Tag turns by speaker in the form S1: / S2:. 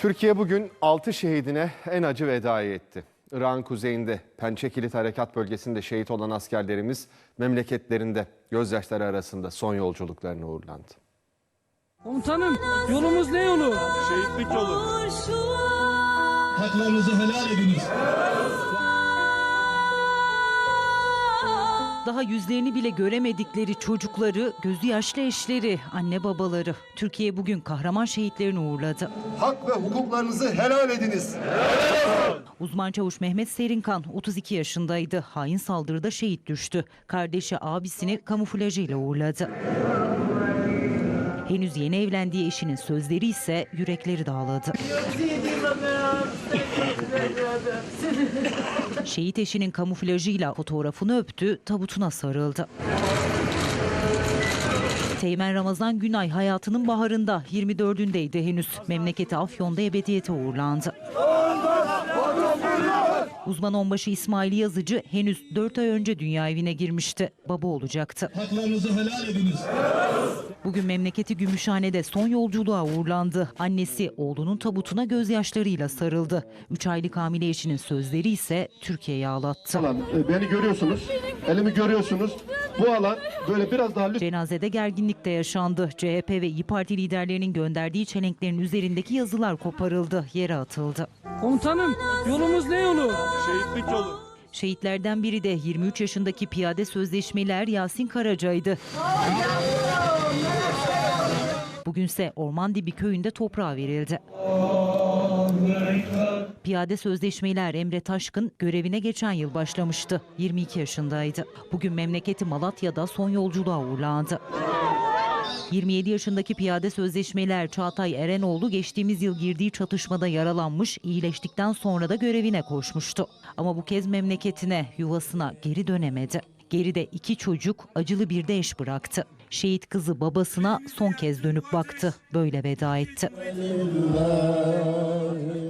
S1: Türkiye bugün 6 şehidine en acı vedayı etti. Irak'ın kuzeyinde Pençe Kilit Harekat Bölgesi'nde şehit olan askerlerimiz memleketlerinde gözyaşları arasında son yolculuklarına uğurlandı.
S2: Komutanım, yolumuz ne yolu?
S3: Şehitlik yolu.
S4: Haklarınızı helal ediniz.
S5: Daha yüzlerini bile göremedikleri çocukları, gözü yaşlı eşleri, anne babaları. Türkiye bugün kahraman şehitlerini uğurladı.
S6: Hak ve hukuklarınızı helal ediniz.
S5: Uzman çavuş Mehmet Serinkan 32 yaşındaydı. Hain saldırıda şehit düştü. Kardeşi abisini kamuflajıyla uğurladı. Henüz yeni evlendiği eşinin sözleri ise yürekleri dağladı. Şehit eşinin kamuflajıyla fotoğrafını öptü, tabutuna sarıldı. Teğmen Ramazan Günay hayatının baharında 24'ündeydi henüz. Memleketi Afyon'da ebediyete uğurlandı. Uzman onbaşı İsmail Yazıcı henüz 4 ay önce dünya evine girmişti. Baba olacaktı.
S4: Haklarınızı helal ediniz.
S5: Bugün memleketi Gümüşhane'de son yolculuğa uğurlandı. Annesi oğlunun tabutuna gözyaşlarıyla sarıldı. 3 aylık hamile eşinin sözleri ise Türkiye'yi ağlattı.
S6: Beni görüyorsunuz, elimi görüyorsunuz. Bu alan böyle biraz daha
S5: Cenazede gerginlik de yaşandı. CHP ve İYİ Parti liderlerinin gönderdiği çelenklerin üzerindeki yazılar koparıldı, yere atıldı.
S2: Komutanım, yolumuz ne yolu?
S3: Şehitlik yolu.
S5: Şehitlerden biri de 23 yaşındaki piyade sözleşmeler Yasin Karaca'ydı. Bugünse Ormandibi köyünde toprağa verildi. Piyade sözleşmeler Emre Taşkın görevine geçen yıl başlamıştı. 22 yaşındaydı. Bugün memleketi Malatya'da son yolculuğa uğurlandı. 27 yaşındaki piyade sözleşmeler Çağatay Erenoğlu geçtiğimiz yıl girdiği çatışmada yaralanmış, iyileştikten sonra da görevine koşmuştu. Ama bu kez memleketine, yuvasına geri dönemedi. Geride 2 çocuk, acılı bir de eş bıraktı. Şehit kızı babasına son kez dönüp baktı. Böyle veda etti.